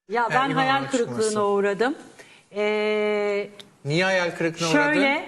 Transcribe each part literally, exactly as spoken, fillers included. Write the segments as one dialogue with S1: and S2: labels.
S1: Ya ben
S2: Yani
S1: hayal
S2: İmamoğlu
S1: kırıklığına
S2: çıkması.
S1: uğradım. Ee,
S2: Niye hayal kırıklığına uğradın?
S1: şöyle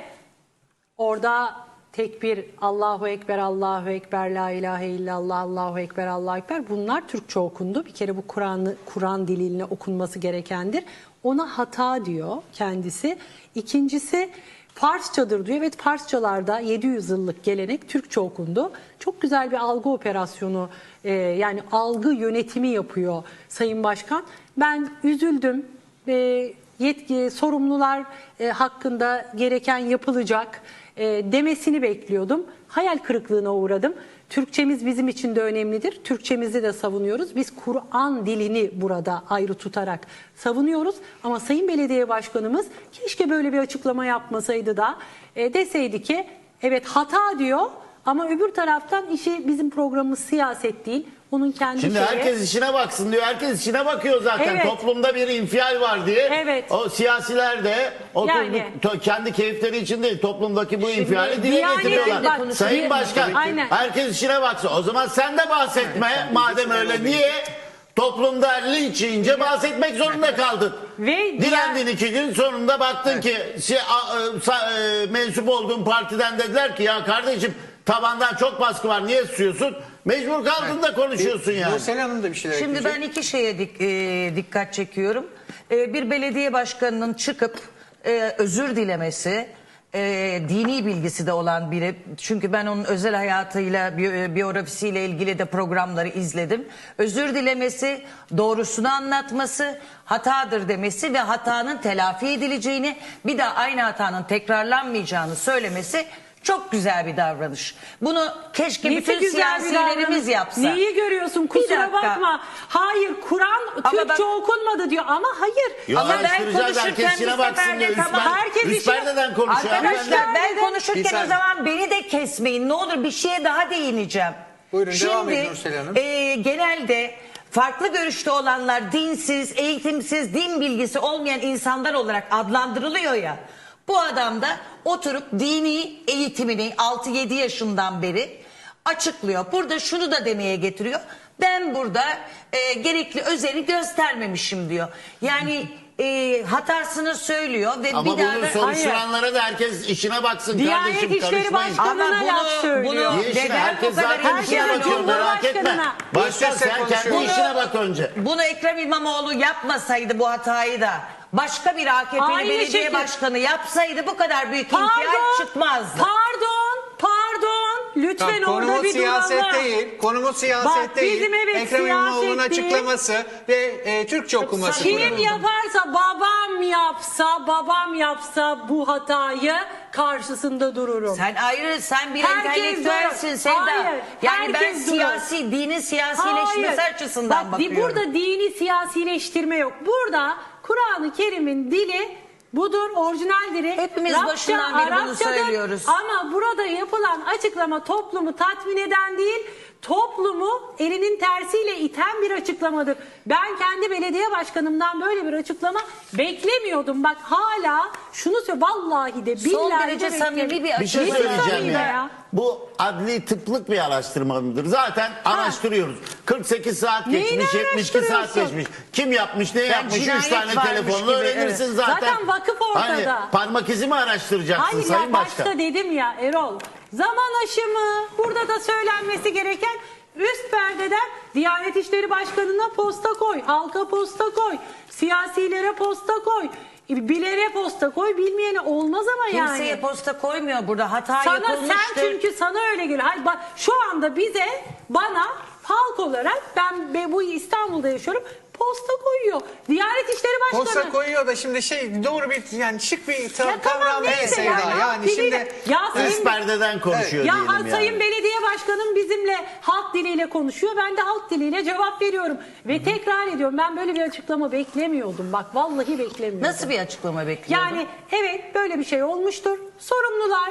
S1: orada tek bir Allahu Ekber, Allahu Ekber, La ilahe illallah, Allahu Ekber, Allahu Ekber, bunlar Türkçe okundu. Bir kere bu Kur'an'ı Kur'an diliyle okunması gerekendir. Ona hata diyor kendisi. İkincisi Farsçadır diyor. Evet, Farsçalarda yedi yüz yıllık gelenek Türkçe okundu. Çok güzel bir algı operasyonu, e, yani algı yönetimi yapıyor Sayın Başkan. Ben üzüldüm. E, yetki, sorumlular e, hakkında gereken yapılacak e, demesini bekliyordum. Hayal kırıklığına uğradım. Türkçemiz bizim için de önemlidir. Türkçemizi de savunuyoruz. Biz Kur'an dilini burada ayrı tutarak savunuyoruz. Ama Sayın Belediye Başkanımız keşke böyle bir açıklama yapmasaydı da e, deseydi ki evet hata diyor ama öbür taraftan işi, bizim programımız siyaset değil. Onun kendi
S3: Şimdi
S1: şeyi.
S3: herkes işine baksın diyor. Herkes işine bakıyor zaten.
S1: Evet.
S3: Toplumda bir infial var diye.
S1: Evet.
S3: O siyasiler de oturup
S1: Yani.
S3: to- kendi keyifleri için değil, toplumdaki bu
S1: Şimdi
S3: infiali dile
S1: Diyanet'in
S3: getiriyorlar.
S1: bak-
S3: Sayın
S1: Di-
S3: Başkan,
S1: Aynen.
S3: herkes işine baksın. O zaman sen de bahsetme. Madem öyle, niye toplumda linç yiyince bahsetmek zorunda kaldın?
S1: Ve
S3: Direndin iki gün, sonunda baktın ki şey, a- e, sa- e, mensup olduğun partiden dediler ki ya kardeşim tabandan çok baskı var, niye susuyorsun? Mecbur kaldın da konuşuyorsun yani.
S2: Nursel Hanım da bir şeyler
S4: Şimdi
S2: ekleyecek.
S4: ben iki şeye dik- e, dikkat çekiyorum. E, bir belediye başkanının çıkıp e, özür dilemesi, e, dini bilgisi de olan biri. Çünkü ben onun özel hayatıyla, bi- biyografisiyle ilgili de programları izledim. Özür dilemesi, doğrusunu anlatması, hatadır demesi ve hatanın telafi edileceğini, bir daha aynı hatanın tekrarlanmayacağını söylemesi çok güzel bir davranış. Bunu keşke
S1: Nesi
S4: bütün
S1: güzel bir
S4: siyasilerimiz
S1: davranış.
S4: yapsa.
S1: Neyi görüyorsun?
S4: Bir
S1: Kusura
S4: dakika.
S1: bakma. Hayır, Kur'an
S4: Ama
S1: Türkçe
S4: bak-
S1: okunmadı diyor ama hayır.
S3: Yo,
S4: Ama ben
S3: araştıracağız,
S4: konuşurken
S3: herkes işine
S4: bir
S3: baksın
S4: seferde
S3: diyor. Üst,
S4: tamam,
S3: per-
S1: herkes
S3: üst
S1: işine-
S3: perdeden konuşuyor.
S4: Arkadaşlar
S3: hanımefendi.
S4: ben
S2: Bir
S4: konuşurken o
S2: saniye.
S4: zaman beni de kesmeyin. Ne olur bir şeye daha değineceğim.
S2: Buyurun,
S4: Şimdi,
S2: devam edin Nursel Hanım.
S4: e, genelde farklı görüşte olanlar dinsiz, eğitimsiz, din bilgisi olmayan insanlar olarak adlandırılıyor ya. Bu adam da oturup dini eğitimini altı yedi yaşından beri açıklıyor. Burada şunu da demeye getiriyor. Ben burada e, gerekli özeni göstermemişim diyor. Yani e, hatasını söylüyor ve
S3: Ama
S4: bir daha
S3: bunu
S4: da...
S3: soruşturanlara da herkes işine baksın
S1: Diyanet
S3: kardeşim,
S1: İşleri
S3: karışmayın.
S1: Başkanı-
S4: Ama
S1: Bana laf
S4: bunu,
S1: söylüyor.
S4: bunu
S3: Niye işine?
S4: neden
S3: Herkes
S4: bu kadar
S3: zaten
S4: işine
S3: işine bakıyor, merak etme.
S1: Cumhurbaşkanına.
S3: Başkan
S2: Sesle
S3: sen kendi
S2: konuşuyoruz.
S3: işine bak önce.
S4: Bunu Ekrem İmamoğlu yapmasaydı bu hatayı da başka bir A K P'li
S1: Aynı
S4: belediye
S1: şekil-
S4: başkanı yapsaydı bu kadar büyük
S1: Pardon,
S4: infial çıkmazdı.
S1: pardon, pardon. Lütfen
S2: Tamam,
S1: orada
S2: konumuz
S1: bir
S2: siyaset
S1: duralım.
S2: değil. Konumuz siyaset
S1: Bak,
S2: değil.
S1: bizim evet
S2: Ekrem İmamoğlu'nun
S1: siyaset değil.
S2: açıklaması ve e, Türkçe okuması.
S1: Kim
S2: burada.
S1: yaparsa, babam yapsa, babam yapsa bu hatayı karşısında dururum.
S4: Sen ayrı, sen bir
S1: Herkes
S4: entelektüelsin
S1: durur.
S4: Sevda.
S1: Hayır,
S4: yani ben
S1: herkes durur.
S4: siyasi, dinin siyasileşmesi
S1: Hayır.
S4: açısından
S1: Bak, di-
S4: bakıyorum.
S1: burada dini siyasileştirme yok. Burada Kur'an-ı Kerim'in dili budur, orijinal dili.
S4: Hepimiz
S1: Rabça,
S4: başından beri bunu
S1: Arapçadır.
S4: söylüyoruz.
S1: Ama burada yapılan açıklama toplumu tatmin eden değil, toplumu elinin tersiyle iten bir açıklamadır. Ben kendi belediye başkanımdan böyle bir açıklama beklemiyordum. Bak hala şunu söyle, vallahi de billahi
S4: Son
S1: de
S4: derece
S1: beklemiyordum.
S4: samimi bir
S3: Bir şey
S4: açıklama.
S3: söyleyeceğim
S1: samimi
S3: ya.
S1: ya.
S3: Bu adli tıplık bir araştırma mıdır? Zaten araştırıyoruz. kırk sekiz saat
S1: Neyini
S3: geçmiş, yetmiş iki saat
S1: araştırıyorsun?
S3: geçmiş. Kim yapmış, ne yapmış? Üç
S4: cinayet
S3: tane
S4: varmış
S3: telefonla
S4: gibi,
S3: öğrenirsin
S4: evet.
S3: zaten.
S1: Zaten vakıf ortada.
S3: Hani parmak izi mi araştıracaksın
S1: Hayır
S3: Sayın
S1: ya,
S3: Başkan?
S1: başta dedim ya Erol. Zaman aşımı, burada da söylenmesi gereken üst perdeden Diyanet İşleri Başkanı'na posta koy, halka posta koy, siyasilere posta koy, bilere posta koy, bilmeyene olmaz ama yani.
S4: Kimseye posta koymuyor burada. Hata
S1: Sana,
S4: yapılmıştır.
S1: sen çünkü sana öyle geliyor. Hayır, bak, şu anda bize, bana halk olarak, ben be- bu İstanbul'da yaşıyorum, posta koyuyor. Diyanet İşleri Başkanı.
S2: Posta koyuyor da şimdi şey doğru bir yani şık bir ta-
S1: Ya tamam,
S2: kavram değil
S1: neyse
S2: Sevda.
S1: yani,
S2: Yani
S1: diliyle-
S2: şimdi
S1: Ya
S3: Üst
S1: senin-
S3: perdeden konuşuyor
S1: Ya
S3: diyelim yani.
S1: Sayın Belediye Başkanım bizimle halk diliyle konuşuyor. Ben de halk diliyle cevap veriyorum. Ve tekrar ediyorum, ben böyle bir açıklama beklemiyordum. Bak vallahi beklemiyordum.
S4: Nasıl bir açıklama bekliyordun?
S1: Yani evet, böyle bir şey olmuştur. Sorumlular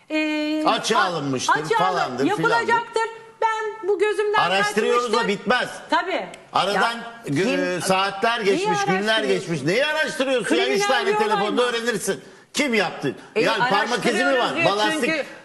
S1: e,
S3: Açığa
S1: a-
S3: alınmıştır,
S1: açığa alın-
S3: falandır,
S1: yapılacaktır. Ben bu gözümden
S3: Araştırıyoruz da
S1: kaçmıştır.
S3: bitmez.
S1: Tabii.
S3: Aradan
S4: Ya,
S3: gö-
S4: kim-
S3: saatler geçmiş, günler
S1: araştırıyorsun?
S3: geçmiş. Neyi araştırıyorsun ya? Üç
S1: Kriminal
S3: tane
S1: bir olay
S3: telefonda
S1: mı?
S3: öğrenirsin. Kim yaptı?
S4: E,
S3: yani parmak izi mi var?
S4: araştırıyoruz diyor
S3: Balastik
S4: çünkü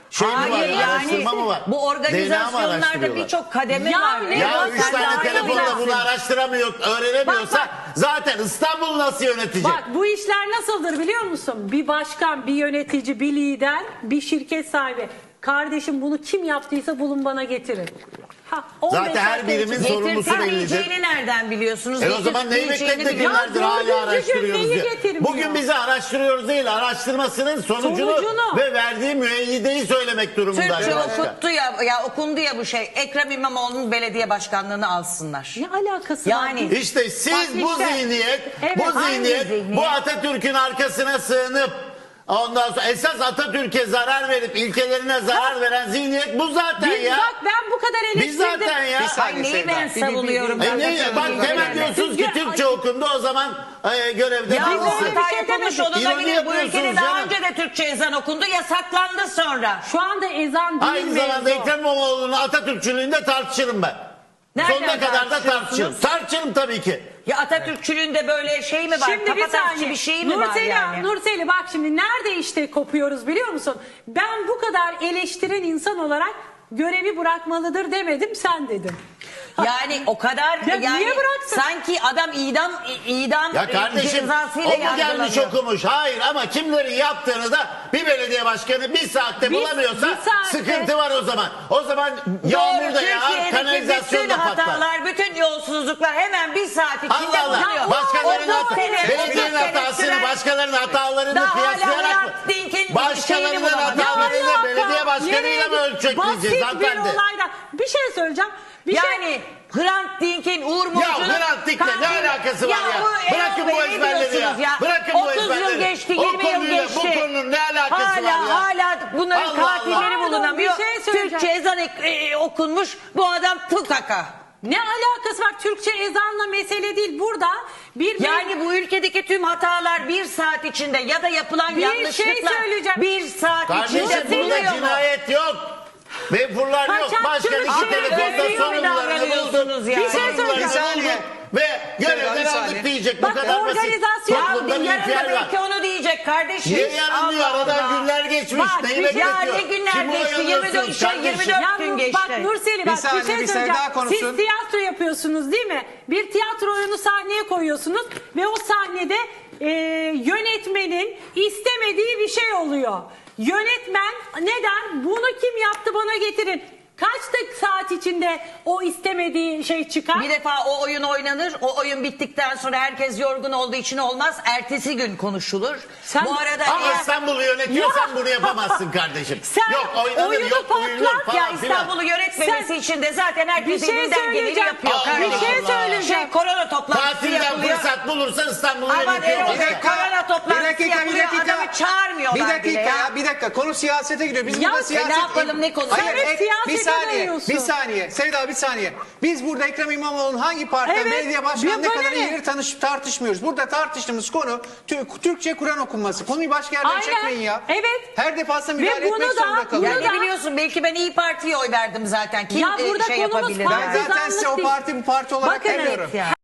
S3: şey mi var?
S4: Hayır
S3: Araştırma
S4: yani
S3: mı var?
S4: bu
S3: D N A mı
S4: organizasyonlarda
S3: araştırıyorlar?
S4: birçok kademe
S1: Ya
S4: var.
S1: ne
S3: Ya
S1: Bak,
S3: üç
S1: sen
S3: tane
S1: daha iyi
S3: telefonla
S1: bilirsin.
S3: bunu araştıramıyor, öğrenemiyorsa
S1: Bak, bak.
S3: zaten İstanbul nasıl yönetecek?
S1: Bak bu işler nasıldır biliyor musun? Bir başkan, bir yönetici, bir lider, bir şirket sahibi. Kardeşim bunu kim yaptıysa bulun bana getirin. Ha, on beş
S3: Zaten her
S1: dakika
S3: birimin
S1: içinde-
S3: sorumlusu bellidir.
S4: Getirtilmeyeceğini nereden biliyorsunuz?
S3: E o zaman neyi
S4: Getirtilmeyeceğini
S3: beklettik
S4: biliyor-
S3: günlerdir
S1: Ya
S3: hala
S1: dördüncü gün
S3: araştırıyoruz
S1: neyi
S3: diye.
S1: getirmiyor?
S3: Bugün bizi araştırıyoruz değil, araştırmasının sonucunu,
S1: Sonucunu.
S3: ve verdiği müeyyideyi söylemek durumunda.
S4: Türkçe
S3: arkadaşlar.
S4: okuttu ya, ya okundu ya bu şey. Ekrem İmamoğlu'nun belediye başkanlığını alsınlar.
S1: Ne alakası
S4: Yani-
S1: var?
S3: İşte siz
S1: Bak
S3: bu
S1: işte.
S3: zihniyet,
S1: Evet,
S3: bu
S1: hangi
S3: zihniyet,
S4: zihniyet?
S3: bu Atatürk'ün arkasına sığınıp ondan sonra esas Atatürk'e zarar verip ilkelerine zarar veren zihniyet bu zaten
S1: Biz
S3: ya.
S1: bak ben bu kadar
S3: Biz
S1: eleştirdim.
S3: zaten ya.
S2: Bir saniye
S4: Ay neyi
S2: Sevda.
S4: ben
S2: Bir- bir-
S4: savunuyorum?
S2: bir-
S3: E
S4: ben
S3: ne,
S4: de
S3: bak
S4: söyleyeyim.
S3: hemen diyorsunuz ki
S1: Siz-
S3: Türkçe okundu o zaman e, görevde
S4: Ya
S3: kalsın.
S4: o hata
S1: bir şey
S4: yapılmış
S1: demedim.
S4: olabilir.
S3: İroni
S4: Bu ülkede
S3: yapıyorsunuz
S4: daha
S3: canım.
S4: önce de Türkçe ezan okundu, yasaklandı sonra.
S1: Şu anda ezan değil
S3: Aynı zamanda
S1: mevzu.
S3: Ekrem İmamoğlu'nun Atatürkçülüğünde tartışırım ben.
S4: Nereden
S3: Sonuna kadar da
S4: tartışıyorsunuz?
S3: tartışırım. Tartışırım tabii ki.
S4: Ya Atatürkçülüğünde böyle şey mi var?
S1: Şimdi bir
S4: Kafatasçı
S1: saniye.
S4: bir şey mi var
S1: Nurseli,
S4: yani?
S1: Nurseli bak şimdi nerede işte kopuyoruz biliyor musun? Ben bu kadar eleştiren insan olarak görevi bırakmalıdır demedim, sen dedin.
S4: Yani o kadar
S1: Ya
S4: yani
S1: niye bıraksın?
S4: sanki adam idam idam
S3: Ya
S4: e,
S3: kardeşim
S4: cezasıyla
S3: o mu gelmiş
S4: yargılanıyor.
S3: okumuş? Hayır ama kimlerin yaptığını da bir belediye başkanı bir saatte
S1: Bir-
S3: bulamıyorsa
S1: bir saatte-
S3: sıkıntı var o zaman. O zaman yağmur
S4: Doğru,
S3: da yağar,
S4: Türkiye'deki
S3: kanalizasyon
S4: bütün
S3: da patlar.
S4: hatalar, bütün yolsuzluklar hemen bir saat içinde
S3: Allah Allah.
S4: bulunuyor.
S3: Başkalarının
S4: otuz
S3: hata,
S4: sene,
S3: belediyenin
S4: otuz sene
S3: hatasını
S4: süren-
S3: başkalarının hatalarını
S4: Daha hala
S3: kıyaslayarak mı?
S4: Hrant Dink'in şeyini
S3: Başkalarının
S4: bulamadı.
S3: hatalarını
S1: Ne alaka?
S3: belediye başkanıyla mı
S1: Nereye-
S3: ölçekleyeceğiz
S1: Basit bir
S3: hanımefendi?
S1: olaydan. Bir şey söyleyeceğim. Bir şey...
S4: Yani Hrant Dink'in, Uğur Mumcu'nun...
S3: Hrant Dink'le ne alakası var ya?
S4: bu
S3: Bırakın
S4: Erol
S3: bu
S4: Bey, ne
S3: ezberleri ya.
S4: diyorsunuz
S3: Bırakın bu
S4: otuz
S3: ezberleri.
S4: yıl geçti,
S3: O
S4: yirmi yıl
S3: konuyla
S4: geçti.
S3: bu konunun ne alakası
S4: hala,
S3: var ya?
S4: Hala bunların
S3: Allah
S4: katilleri
S1: Allah.
S4: bulunamıyor.
S1: Bir şey söyleyeceğim.
S4: Türkçe ezan ek- e, okunmuş, bu adam tukaka.
S1: Ne alakası var? Türkçe ezanla mesele değil. Burada bir
S4: Yani bu ülkedeki tüm hatalar bir saat içinde ya da yapılan
S1: Bir
S4: yanlışlıklar
S1: şey söyleyeceğim.
S4: bir saat
S3: Kardeşim
S4: içinde
S3: burada
S4: bulunuyor mu?
S3: cinayet yok. Vefurlar yok.
S1: Kaçakçılık
S3: Başkan
S1: şey
S3: iki telefonda
S4: öyle mi
S3: sorumlularını buldu.
S4: davranıyorsunuz ya?
S1: Bir şey
S3: Sorumlularını
S1: söyleyeceğim.
S2: Bir saniye.
S3: buldu Ve görevden
S2: Bir saniye.
S3: aldık diyecek.
S1: Bak,
S3: Bu kadar basit.
S1: organizasyon-
S4: Ya
S3: Toplumda
S4: bir
S3: bir
S4: yarın da
S3: ihtiyar var.
S4: belki onu diyecek kardeşim.
S3: Niye yarın diyor?
S4: Allah
S3: Aradan
S4: Allah.
S3: günler geçmiş.
S1: Bak,
S3: Neyi
S1: bir-
S3: bekletiyor?
S4: Ya ne günler
S3: Kimi
S4: geçti? yirmi dört,
S3: oyalıyorsunuz
S4: şey,
S3: kardeşim?
S4: yirmi dört
S1: Ya
S4: gün
S1: Nur-
S4: geçti.
S1: Bak Nurseli
S2: Bir
S1: bak bir,
S2: saniye,
S1: şey
S2: bir Sevda
S1: söyleyeceğim.
S2: konuşsun.
S1: Siz tiyatro yapıyorsunuz değil mi? Bir tiyatro oyunu sahneye koyuyorsunuz ve o sahnede e, yönetmenin istemediği bir şey oluyor. Yönetmen neden? Bunu kim yaptı bana getirin. Kaç dakika saat içinde o istemediği şey çıkar?
S4: Bir defa o oyun oynanır. O oyun bittikten sonra herkes yorgun olduğu için olmaz. Ertesi gün konuşulur.
S1: Sen-
S4: Bu arada
S3: Ama
S4: eğer...
S3: İstanbul'u yönetiyorsan
S1: Ya.
S3: bunu yapamazsın kardeşim.
S1: Sen
S3: yok oynanır
S1: oyunu
S3: yok uyulur
S1: patlat
S3: falan
S4: Ya
S3: filan.
S4: İstanbul'u yönetmemesi
S1: Sen-
S4: için de zaten herkes
S1: Bir şey
S4: elinden geleni
S1: söyleyeceğim.
S4: yapıyor
S3: Allah
S4: kardeşim.
S1: Bir şey
S3: Allah.
S1: söyleyeceğim.
S4: Şey, korona toplantısı
S3: Tatilden
S4: yapılıyor.
S3: fırsat bulursan İstanbul'u
S4: Aman
S3: yönetiyor.
S4: Erol
S2: Bir
S4: Bey,
S3: başka.
S4: korona toplantısı
S2: bir dakika, bir
S4: yapılıyor.
S2: dakika.
S4: Adamı çağırmıyorlar
S2: Bir dakika
S4: bile ya.
S2: ya, bir dakika. Konu siyasete giriyor. Biz
S1: Ya
S2: burada
S1: e,
S2: siyaset...
S4: ne yapalım, ne konu?
S2: Hayır,
S1: Sen hep
S2: ek-
S1: siyasete
S2: bir saniye,
S1: dönüyorsun.
S2: bir saniye. Sevda bir saniye. Biz burada Ekrem İmamoğlu'nun hangi partiden
S1: Evet,
S2: belediye başkanı ne
S1: bana
S2: kadar
S1: ne?
S2: yeri tanış, tartışmıyoruz. Burada tartıştığımız konu Tü- Türkçe Kur'an okunması. Konuyu başka yerden
S1: Aynen,
S2: çekmeyin ya.
S1: evet.
S2: Her defasında
S1: Ve
S2: müdahale
S1: bunu
S2: etmek
S1: da-
S2: zorunda
S1: bunu
S2: kalıyoruz.
S4: Ya
S1: da-
S4: ne biliyorsun, belki ben İyi Parti'ye oy verdim zaten. Kim
S1: Ya
S4: e,
S1: burada
S4: şey
S1: konumuz
S4: yapabilir?
S1: partizanlık
S2: Ben zaten size o
S1: değil.
S2: parti bu parti olarak
S1: Bakın,
S2: demiyorum.
S4: Evet ya.